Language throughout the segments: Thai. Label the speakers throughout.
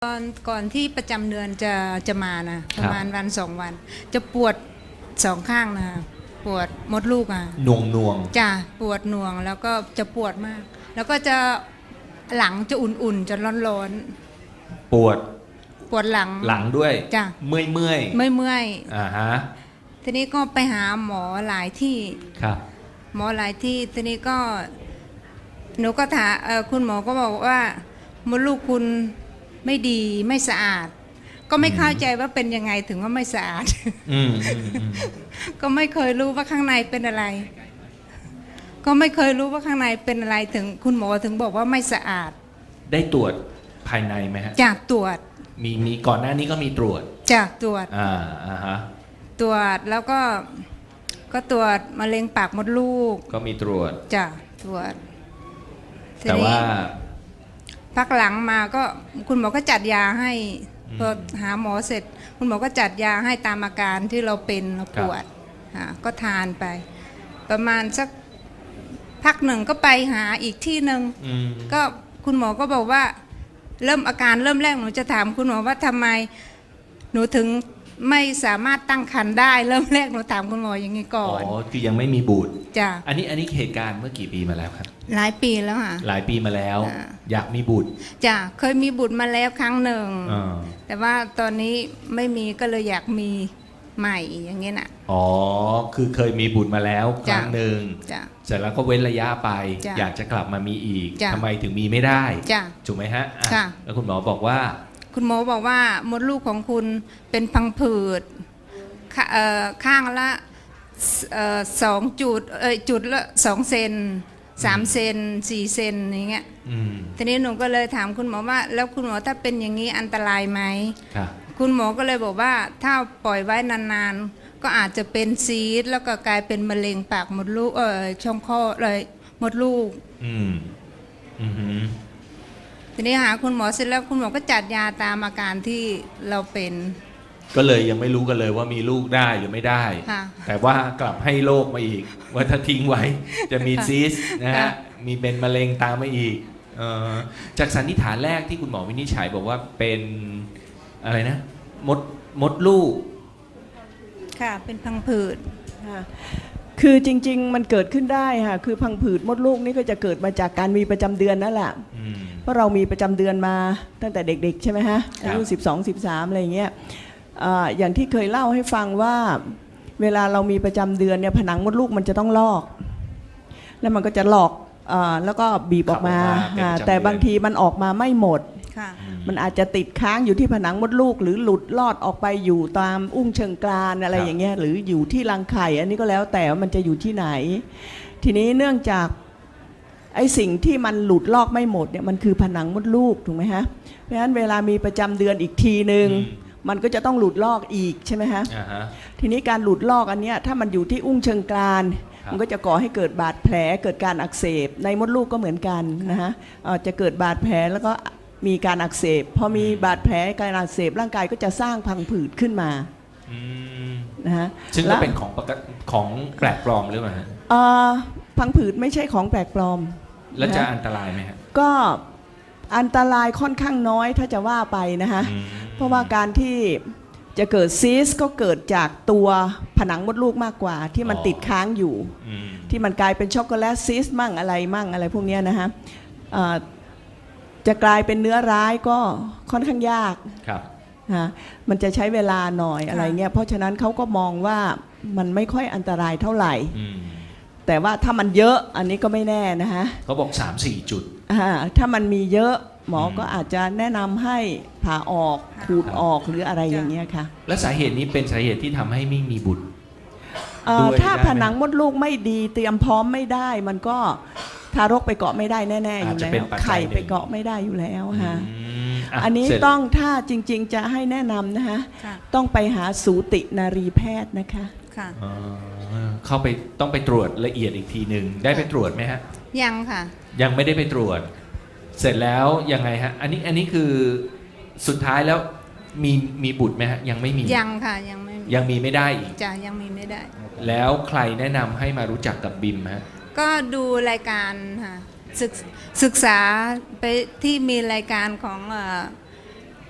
Speaker 1: ก่อนที่ประจำเดือนจะมานะประมาณวัน2 วัน จะปวด2 ข้างนะปวดมดลูกอ่ะ
Speaker 2: หน่วง
Speaker 1: จ้ะปวดหน่วงแล้วก็จะปวดมาก แล้วก็จะหลังจะอุ่นๆจะร้อน
Speaker 2: ปวด
Speaker 1: หลัง
Speaker 2: ด้วย
Speaker 1: จ้ะ
Speaker 2: เมื่อย
Speaker 1: อ่าฮะทีนี้ก็ไปหาหมอหลายที่
Speaker 2: ครับ
Speaker 1: หมอหลายที่ทีนี้ก็หนูก็ถามคุณหมอก็บอกว่ามดลูกคุณไม่ดีไม่สะอาดก็ไม่เข้าใจว่าเป็นยังไงถึงว่าไม่สะอาดก็ไม่เคยรู้ว่าข้างในเป็นอะไรก็ไม่เคยรู้ว่าข้างในเป็นอะไรถึงคุณหมอถึงบอกว่าไม่สะอาด
Speaker 2: ได้ตรวจภายในไหมฮะ
Speaker 1: จากตรวจ
Speaker 2: มีก่อนหน้านี้ก็มีตรวจ
Speaker 1: จากตรวจ
Speaker 2: ฮะ
Speaker 1: ตรวจแล้วก็ตรวจมะเร็งปากมดลูก
Speaker 2: ก็มีตรวจ
Speaker 1: จากตรวจ
Speaker 2: แต่ว่า
Speaker 1: พักหลังมาก็คุณหมอก็จัดยาให้พอหาหมอเสร็จคุณหมอก็จัดยาให้ตามอาการที่เราเป็นเราปวดก็ทานไปประมาณสักพักหนึ่งก็ไปหาอีกที่หนึ่งก็คุณหมอก็บอกว่าอาการเริ่มแรกหนูจะถามคุณหมอว่าทำไมหนูถึงไม่สามารถตั้งครรภ์ได้เริ่มแรกหนูถามคุณหมออย่างนี้ก่อน
Speaker 2: คือยังไม่มีบุตร
Speaker 1: จ้ะ
Speaker 2: อันนี้เหตุการณ์เมื่อกี่ปีมาแล้วครับ
Speaker 1: หลายปีแล้วค่ะ
Speaker 2: หลายปีมาแล้วอยากมีบุตร
Speaker 1: จ้ะเคยมีบุตรมาแล้วครั้งหนึ่งแต่ว่าตอนนี้ไม่มีก็เลยอยากมีใหม่อย่างเงี้ยน่ะ
Speaker 2: คือเคยมีบุตรมาแล้วครั้งหนึ่งเสร็จแล้วก็เว้นระยะไปอยากจะกลับมามีอีกทำไมถึงมีไม่ได้ถูกไหมฮะแล้วคุณหมอบอกว่ามดลูกของคุณเป็นพังผืดข้างละ2 จุดละ2 เซน3 เซน4 เซนอย่างเงี้ยทีนี้หนูก็เลยถามคุณหมอว่าแล้วคุณหมอถ้าเป็นอย่างนี้อันตรายไหมคุณหมอก็เลยบอกว่าถ้าปล่อยไว้นานๆก็อาจจะเป็นซีสต์แล้วก็กลายเป็นมะเร็งปากมดลูกช่องคลอดเลยมดลูกทีนี้หาคุณหมอเสร็จแล้วคุณหมอก็จัดยาตามอาการที่เราเป็นก็เลยยังไม่รู้กันเลยว่ามีลูกได้หรือไม่ได้แต่ว่ากลับให้โรคมาอีกว่าถ้าทิ้งไว้จะมีซีสต์นะฮะมีเป็นมะเร็งตามมาอีกจากสันนิษฐานแรกที่คุณหมอวินิจฉัยบอกว่าเป็นอะไรนะมดลูก
Speaker 1: ค่ะเป็นพังผืด
Speaker 3: คือจริงๆมันเกิดขึ้นได้ค่ะคือพังผืดมดลูกนี่ก็จะเกิดมาจากการมีประจำเดือนนั่นแหละเพราะเรามีประจำเดือนมาตั้งแต่เด็กๆใช่ไหมฮะอายุ12-13อะไรอย่างเงี้ยอย่างที่เคยเล่าให้ฟังว่าเวลาเรามีประจำเดือนเนี่ยผนังมดลูกมันจะต้องลอกแล้วมันก็จะหลอกแล้วก็บีบออกมาแต่บางทีมันออกมาไม่หมดมันอาจจะติดค้างอยู่ที่ผนังมดลูกหรือหลุดลอดออกไปอยู่ตามอุ้งเชิงกรานอะไรอย่างเงี้ยหรืออยู่ที่รังไข่อันนี้ก็แล้วแต่ว่ามันจะอยู่ที่ไหนทีนี้เนื่องจากไอ้สิ่งที่มันหลุดลอกไม่หมดเนี่ยมันคือผนังมดลูกถูกไหมฮะเพราะฉะนั้นเวลามีประจำเดือนอีกทีนึงมันก็จะต้องหลุดลอกอีกใช่ไหมฮะทีนี้การหลุดลอกอันเนี้ยถ้ามันอยู่ที่อุ้งเชิงกรานมันก็จะก่อให้เกิดบาดแผลเกิดการอักเสบในมดลูกก็เหมือนกันนะฮะจะเกิดบาดแผลแล้วก็มีการอักเสบพอมีบาดแผลการอักเสบร่างกายก็จะสร้างพังผืดขึ้นมานะฮะ
Speaker 2: ซึ่งก็เป็นของแปลกปลอมหรือเปล่าฮะ
Speaker 3: พังผืดไม่ใช่ของแปลกปลอม
Speaker 2: แล้วจะอันตรายไหมฮะ
Speaker 3: ก็อันตรายค่อนข้างน้อยถ้าจะว่าไปนะฮะเพราะว่าการที่จะเกิดซีสก็เกิดจากตัวผนังมดลูกมากกว่าที่มันติดค้างอยู่ที่มันกลายเป็นช็อกโกแลตซีสมั่งอะไรพวกนี้นะฮะจะกลายเป็นเนื้อร้ายก็ค่อนข้างยากมันจะใช้เวลาหน่อยอะไรเงี้ยเพราะฉะนั้นเขาก็มองว่ามันไม่ค่อยอันตรายเท่าไหร่แต่ว่าถ้ามันเยอะอันนี้ก็ไม่แน่นะฮะ
Speaker 2: เขาบอก 3-4 จุด
Speaker 3: ถ้ามันมีเยอะหมอก็อาจจะแนะนำให้ผ่าออกขูดออกหรืออะไรอย่างเงี้ยค่ะ
Speaker 2: และสาเหตุนี้เป็นสาเหตุที่ทำให้ไม่มีบุตร
Speaker 3: ถ้าผนังมดลูกไม่ดีเตรียมพร้อมไม่ได้มันก็ทารกไปเกาะไม่ได้แน่ๆอยู่แล้วไข่ไปเกาะไม่ได้อยู่แล้วค่ะอันนี้ต้องถ้าจริงๆจะให้แนะนำนะคะต้องไปหาสูตินารีแพทย์นะคะ
Speaker 2: เข้าไปต้องไปตรวจละเอียดอีกทีหนึ่งได้ไปตรวจไหมฮะ
Speaker 1: ยังค่ะ
Speaker 2: ยังไม่ได้ไปตรวจเสร็จแล้วยังไงฮะอันนี้คือสุดท้ายแล้วมีบุตรไหมฮะยังไม่มี
Speaker 1: ยังค่ะ
Speaker 2: ยังมีไม่ได้อีก
Speaker 1: ยังมีไม่ได้
Speaker 2: แล้วใครแนะนำให้มารู้จักกับบิมฮะ
Speaker 1: ก็ดูรายการค่ะศึกษาไปที่มีรายการของ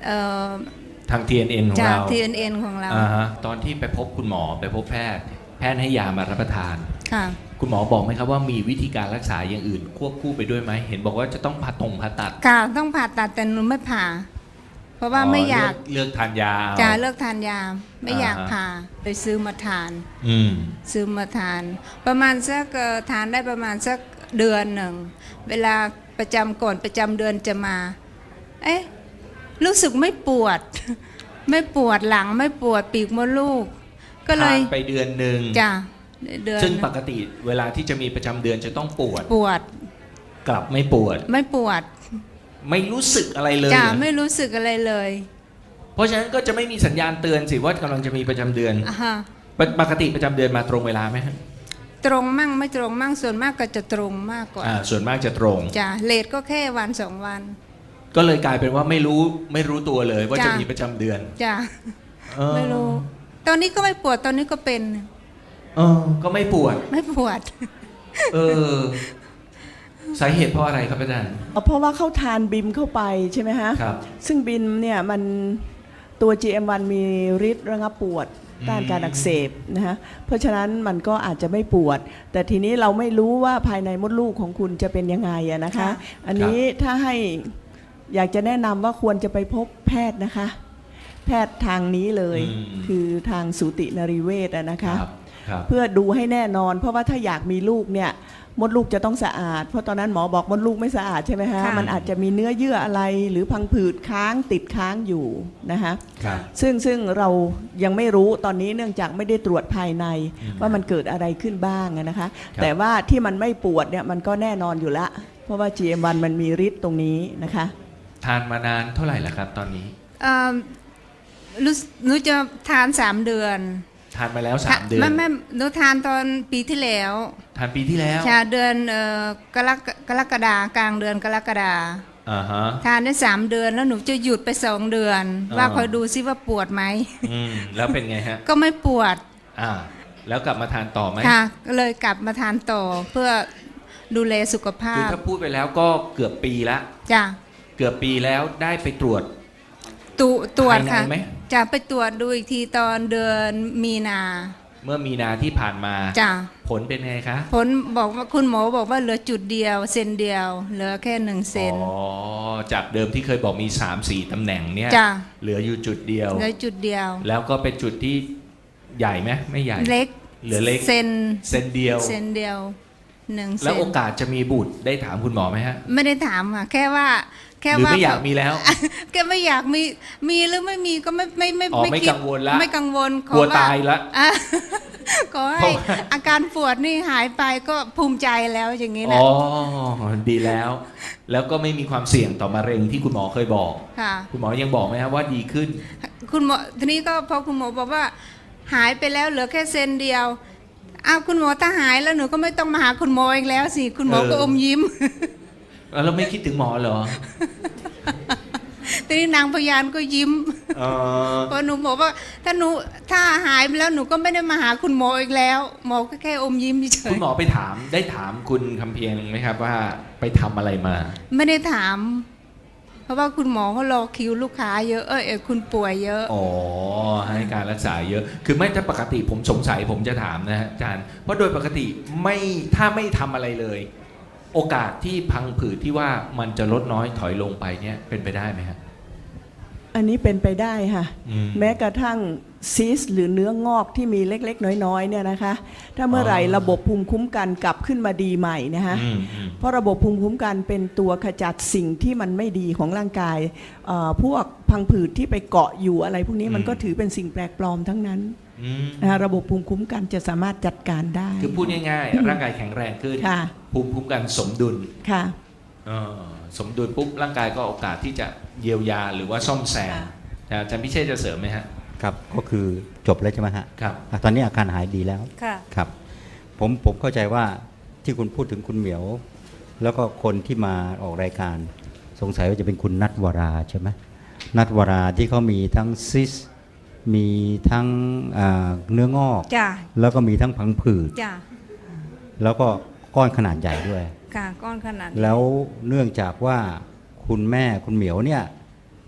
Speaker 1: เอ่อ
Speaker 2: ทาง TNN ของ
Speaker 1: จาก
Speaker 2: เรา
Speaker 1: TNN ของเรา
Speaker 2: ตอนที่ไปพบคุณหมอไปพบแพทย์ให้ยามารับประทาน
Speaker 1: ค่ะ
Speaker 2: คุณหมอบอกไหมครับว่ามีวิธีการรักษาอย่างอื่นควบคู่ไปด้วยไหมเห็นบอกว่าจะต้องผ่าตัด
Speaker 1: ค่ะต้องผ่าตัดแต่หนูไม่ผ่า เพราะว่าไม่อยาก
Speaker 2: เลือกทานยา
Speaker 1: จะเลิกทานยาไม่อยาก
Speaker 2: อ่าฮะ
Speaker 1: ผ่าเลยซื้อมาทาน
Speaker 2: อืม
Speaker 1: ซื้อมาทาน ประมาณสักทานได้ประมาณสักเดือนหนึ่งเวลาประจำก่อนประจำเดือนจะมา เอ๊ะรู้สึกไม่ปวด ไม่ปวดหลังไม่ปวดปีกมดลูก ก็เลย
Speaker 2: ทานไปเดือนหนึ่ง
Speaker 1: จ้ะเดือน
Speaker 2: ซึ่งปกติเวลาที่จะมีประจำเดือนจะต้องปวด
Speaker 1: ปวด
Speaker 2: กลับไม่ปวด
Speaker 1: ไม่ปวด
Speaker 2: ไม่รู้สึกอะไรเลย
Speaker 1: จ้ะ
Speaker 2: เหรอ
Speaker 1: ไม่รู้สึกอะไรเลย
Speaker 2: เพราะฉะนั้นก็จะไม่มีสัญญาณเตือนสิว่ากำลังจะมีประจำเดือน
Speaker 1: อ่าฮะ
Speaker 2: ปกติประจำเดือนมาตรงเวลาไหมฮะ
Speaker 1: ตรงมั่งไม่ตรงมั่งส่วนมากก็จะตรงมากกว่า
Speaker 2: ส่วนมากจะตรง
Speaker 1: จ้ะเลทก็แค่วันสองวัน
Speaker 2: ก็เลยกลายเป็นว่าไม่รู้ตัวเลยว่า
Speaker 1: จ้ะ
Speaker 2: จะมีประจำเดือน
Speaker 1: จ้ะ
Speaker 2: เออ
Speaker 1: ไม่รู้ ตอนนี้ก็ไม่ปวดตอนนี้ก็เป็น
Speaker 2: ก็ไม่ปวด
Speaker 1: ไม่ปวด
Speaker 2: เออ สาเหตุเพราะอะไรครับอาจารย์
Speaker 3: เพราะว่าเขาทานบิมเข้าไปใช่ไหมฮะ
Speaker 2: ครับ
Speaker 3: ซึ่งบิมเนี่ยมันตัว GM1 มีฤทธิ์ระงับปวดต้านการอักเสบนะฮะเพราะฉะนั้นมันก็อาจจะไม่ปวด แต่ทีนี้เราไม่รู้ว่าภายในมดลูกของคุณจะเป็นยังไงอะนะคะ
Speaker 1: ค่ะ
Speaker 3: อันนี้ถ้าให้อยากจะแนะนำว่าควรจะไปพบแพทย์นะคะ แพทย์ทางนี้เลย คือทางสูตินรีเวชอะนะคะ
Speaker 2: ครับ
Speaker 3: เพื่อดูให้แน่นอน เพราะว่าถ้าอยากมีลูกเนี่ยมดลูกจะต้องสะอาด เพราะตอนนั้นหมอบอกมดลูกไม่สะอาดใช่ไหมฮะ
Speaker 1: ค่ะ
Speaker 3: มันอาจจะมีเนื้อเยื่ออะไรหรือพังผืดค้างติดค้างอยู่นะคะ
Speaker 2: ครับ
Speaker 3: ซึ่งเรายังไม่รู้ตอนนี้เนื่องจากไม่ได้ตรวจภายในว่ามันเกิดอะไรขึ้นบ้างอะนะคะ แต่ว่าที่มันไม่ปวดเนี่ยมันก็แน่นอนอยู่ละเพราะว่า GM1 มันมีฤทธิ์ตรงนี้นะคะ
Speaker 2: ทานมานานเท่าไหร่แล้วครับตอนนี้
Speaker 1: เอ่อรู้หนูจะทาน3 เดือน
Speaker 2: ทานมาแล้ว3 เดือน
Speaker 1: ไม่หนูทานตอนปีที่แล้ว
Speaker 2: ทานปีที่แล้ว
Speaker 1: ชาเดือนกรกฎากลางเดือนกรกฎา
Speaker 2: อ่าฮะ
Speaker 1: ทานได้3 เดือนแล้วหนูจะหยุดไป2 เดือน ว่าคอยดูซิว่าปวดไหม
Speaker 2: แล้วเป็นไงฮะ
Speaker 1: ก็ไม่ปวด
Speaker 2: แล้วกลับมาทานต่อไหม
Speaker 1: ค่ะก็เลยกลับมาทานต่อเพื่อดูแลสุขภา
Speaker 2: คือ
Speaker 1: พ
Speaker 2: ถ้าพูดไปแล้วก็เกือบปีละ
Speaker 1: จ้ะ
Speaker 2: เกือบปีแล้วได้ไปตรวจ
Speaker 1: ตรวจ
Speaker 2: ภายใน
Speaker 1: ค่ะ
Speaker 2: ไหม
Speaker 1: จะไปตรวจดูอีกทีตอนเดือนมีนา
Speaker 2: เมื่อมีนาที่ผ่านมา
Speaker 1: จ้ะ
Speaker 2: ผลเป็นไงคะ
Speaker 1: ผลบอกว่าคุณหมอบอกว่าเหลือจุดเดียวเซนเดียว เหลือแค่1 เซน
Speaker 2: จากเดิมที่เคยบอกมี 3-4 ตำแหน่งเนี่ย
Speaker 1: จ้ะ
Speaker 2: เหลืออยู่จุดเดียว
Speaker 1: เหลือจุดเดียว
Speaker 2: แล้วก็เป็นจุดที่ใหญ่ไหมไม่ใหญ่
Speaker 1: เล็ก
Speaker 2: เหลือเล็ก
Speaker 1: เซน
Speaker 2: เซนเดียว
Speaker 1: เซนเดียว1 เซ
Speaker 2: แล้วโอ
Speaker 1: น
Speaker 2: กาสจะมีบุตรได้ถามคุณหมอไหมฮะ
Speaker 1: ไม่ได้ถามค่ะแค่ว่า
Speaker 2: หรือไม่อยากมีแล้ว
Speaker 1: แกไม่อยากมีหรือไม่มีก็ไม่
Speaker 2: ไม่
Speaker 1: คิด
Speaker 2: กังวลละ
Speaker 1: ไม่กังวลข
Speaker 2: กลัว
Speaker 1: อ
Speaker 2: ตายละ
Speaker 1: อ่ะ ขอ
Speaker 2: เพ
Speaker 1: ให้
Speaker 2: ราะว่า
Speaker 1: อาการปวดนี่หายไปก็ภูมิใจแล้วอย่างนี้
Speaker 2: อ๋
Speaker 1: นะ
Speaker 2: อดีแล้ว แล้วก็ไม่มีความเสี่ยงต่อมะเร็งที่คุณหมอเคยบอก
Speaker 1: ค่ะ
Speaker 2: คุณหมอยังบอกไหมครับว่าดีขึ้น
Speaker 1: คุณหมอทีนี้ก็พอคุณหมอบอกว่า หายไปแล้วเหลือแค่เซนเดียวอ้าวคุณหมอถ้าหายแล้วหนูก็ไม่ต้องมาหาคุณหมออีกแล้วสิคุณหมอก็อมยิ้ม
Speaker 2: แล้วไม่คิดถึงหมอเหรอ
Speaker 1: ทีนี้นางพยานก็ยิ้ม
Speaker 2: เออ
Speaker 1: เพราะหนูบอกว่าถ้าหายไปแล้วหนูก็ไม่ได้มาหาคุณหมออีกแล้ว หมอก็แค่อมยิ้มเฉ
Speaker 2: คุ
Speaker 1: ย
Speaker 2: ณหมอไปถามได้ถามคุณคำเพียงไหมครับว่าไปทำอะไรมา
Speaker 1: ๆไม่ได้ถาม เพราะว่าคุณหมอเขารอคิวลูกค้าเยอะคุณป่วยเยอะ
Speaker 2: อ๋อให้การรักษาเยอะ คือไม่ถ้าปกติผมสงสัยผมจะถามนะฮะอาจารย์เพราะโดยปกติถ้าไม่ทำอะไรเลย โอกาสที่พังผืดที่ว่ามันจะลดน้อยถอยลงไปเนี่ยเป็นไปได้ไหมฮะ
Speaker 3: อันนี้เป็นไปได้ค่ะ
Speaker 2: อืม
Speaker 3: แม้กระทั่งซีสต์หรือเนื้องอกที่มีเล็กๆ น้อยๆเนี่ยนะคะ ถ้าเมื่อไหร่ระบบภูมิคุ้มกันกลับขึ้นมาดีใหม่นะคะ เพราะระบบภูมิคุ้มกันเป็นตัวขจัดสิ่งที่มันไม่ดีของร่างกายพวกพังผืดที่ไปเกาะอยู่อะไรพวกนี้มันก็ถือเป็นสิ่งแปลกปลอมทั้งนั้นนะคะระบบภูมิคุ้มกันจะสามารถจัดการได้
Speaker 2: คือพูดง่ายๆร่างกายแข็งแรงขึ้น
Speaker 3: ค่ะ
Speaker 2: ภูมิคุ้มกันสมดุล
Speaker 3: ค่ะ
Speaker 2: สมดุลปุ๊บร่างกายก็โอกาสที่จะเยียวยาหรือว่าซ่อมแซม
Speaker 3: ค่ะ
Speaker 2: อาจารย์พิเชษจะเสริมไหมฮะ
Speaker 4: ครับก็คือจบแล้วใช่ไหมฮะ
Speaker 2: ครับ
Speaker 4: ตอนนี้อาการหายดีแล้ว
Speaker 1: ค่ะ
Speaker 4: ครับผมเข้าใจว่าที่คุณพูดถึงคุณเหมียว แล้วก็คนที่มาออกรายการสงสัยว่าจะเป็นคุณนัทวราใช่ไหมนัทวราที่เขามีทั้งซิสมีทั้งเนื้องอก
Speaker 1: จ้ะ
Speaker 4: แล้วก็มีทั้งพังผืด
Speaker 1: จ้ะ
Speaker 4: แล้วก็ก้อนขนาดใหญ่ด้วย
Speaker 1: ค่ะก้อนขนาดนี้
Speaker 4: แล้วเนื่องจากว่าคุณแม่คุณเหมียวเนี่ย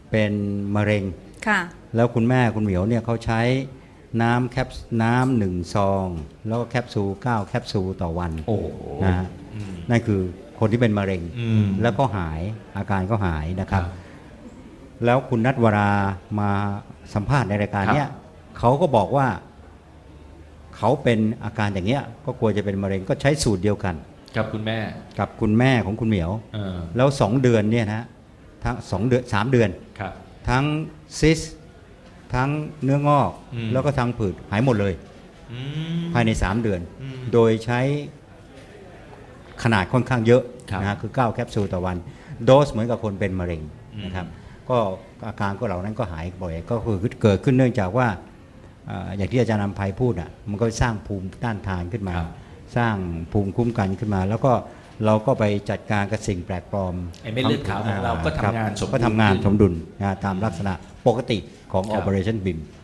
Speaker 4: เป็นมะเร็ง
Speaker 1: ค่ะ
Speaker 4: แล้วคุณแม่คุณเหมียวเนี่ยเขาใช้น้ำหนึ่งซองแล้วก็แคปซูล9แคปซูลต่อวัน
Speaker 2: โอ้โห
Speaker 4: นะฮะนั่นคือคนที่เป็นมะเร็ง
Speaker 2: ม
Speaker 4: แล้วก็หายอาการก็หายนะครับ
Speaker 2: ครับ
Speaker 4: แล้วคุณนัทวรามาสัมภาษณ์ในรายการเนี้ย
Speaker 2: ครับ
Speaker 4: เขาก็บอกว่าเขาเป็นอาการอย่างเงี้ยก็กลัวจะเป็นมะเร็งก็ใช้สูตรเดียวกัน
Speaker 2: กับคุณแม่
Speaker 4: กับคุณแม่ของคุณเหมียว
Speaker 2: เออ
Speaker 4: แล้ว2 เดือนเนี่ยนะทั้ง2 เดือน3 เดือน
Speaker 2: ครับ
Speaker 4: ทั้งซิสทั้งเนื้องอก
Speaker 2: อืม
Speaker 4: แล้วก็ทั้งผืดหายหมดเลย
Speaker 2: อืม
Speaker 4: ภายใน 3 เดือน
Speaker 2: อืม
Speaker 4: โดยใช้ขนาดค่อนข้างเยอะ
Speaker 2: ครับ
Speaker 4: นะฮะคือ9แคปซูลต่อวันโดสเหมือนกับคนเป็นมะเร็งนะครับก็อาการก็เหล่านั้นก็หายบ่อยก็คือเกิดขึ้นเนื่องจากว่าอย่างที่อาจารย์นำภัยพูดอ่ะมันก็สร้างภูมิต้านทานขึ้นมา
Speaker 2: ครับ
Speaker 4: สร้างภูมิคุ้มกันขึ้นมา แล้วก็เราก็ไปจัดการกับสิ่งแปลกปลอม
Speaker 2: ไอ้เม็ดเลือดขาวของเราก็ทำงานสมดุล
Speaker 4: ก็ทำงานสมดุลนะตามลักษณะปกติของ
Speaker 2: ครับ
Speaker 4: Operation BIM